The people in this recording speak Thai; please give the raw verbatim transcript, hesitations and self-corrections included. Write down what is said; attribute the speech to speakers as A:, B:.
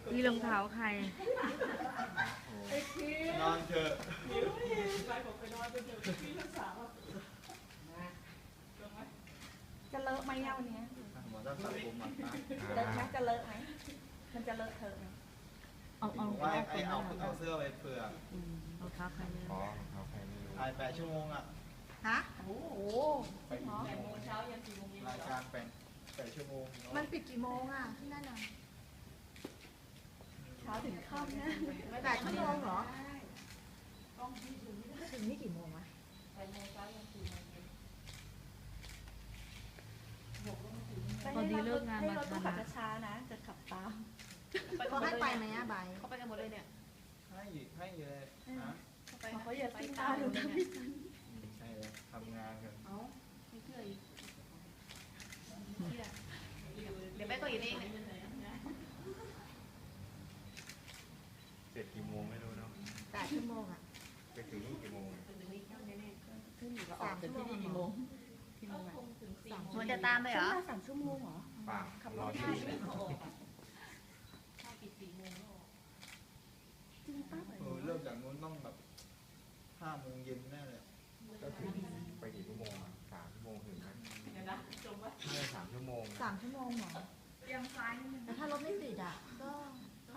A: นี่รองเท้าใคร
B: นอนเถอะ
C: จะเลอะไหมเนี่ยวันนี้
B: หมอต้องตัดผมมา
C: เลอะไหมจะเลอะไหมมันจะเลอะเธอไหม
A: เอาเอา
B: ว่าไอเอาเอาเสื้อไปเผื่อ
A: รองเท้าใครเนี่ย
D: อ๋อเขาใครไม่รู้
B: ถ่ายแปดชั่วโมงอ่ะ
C: ฮะโอ้โห
B: ไปกี่โมงรายการแปดแปดชั่วโมง
C: มันปิดกี่โมงอ่ะที่นั่นน่ะเช้าถึงค่ำนะแปดชั่วโมงเหรอถึงนี่กี่โมงวะ
A: พอดีเลิกงาน
C: ให้
A: มาร
C: ถ
A: ทั
C: ตู้
A: น
C: ขับ
A: นะ
C: ช้าๆนะจะขับตาม
E: เขาให้ไปไหม
C: อะใบ
E: เขาไปกันหมดเลยเนี่ย
B: ให้ให้เลยนะ
C: เขาอย่าติ้งตาหนูทำไม่ทัน
B: ใช่เลยทำงานกัน
E: เอ้าไม่เชื่ออีกเดี๋ยวแม่ก็อีกเองเนี่ย
D: เสร็จกี่โมงไม่รู้เนาะ
C: แปดชั่วโมงอ่ะ
D: ไปถึงนี่กี่โมง
C: ขึ้นอยู่กับออกจากที่นี่กี่โมงกี่โมงอ่ะ
E: มันจะตามไปเหรอ
C: ขึ้นมาสามชั่วโมงเหรอ
D: ป่า
C: ขับ
D: ร
C: ร
D: อ
C: ถ
D: ที่
C: ได้
D: นี่
C: จริงป่ะ
B: เออเริ่มจากนู้นต้องแบบห้าโมงเย็นแน่เลย
D: ก็ถึงไปกี่ชั่วโมงอ่ะสามชั่วโมงถึงไหมไม่ใช่สามชั่วโมง
C: สามชั่วโมงเหรอแล้วถ้ารถไม่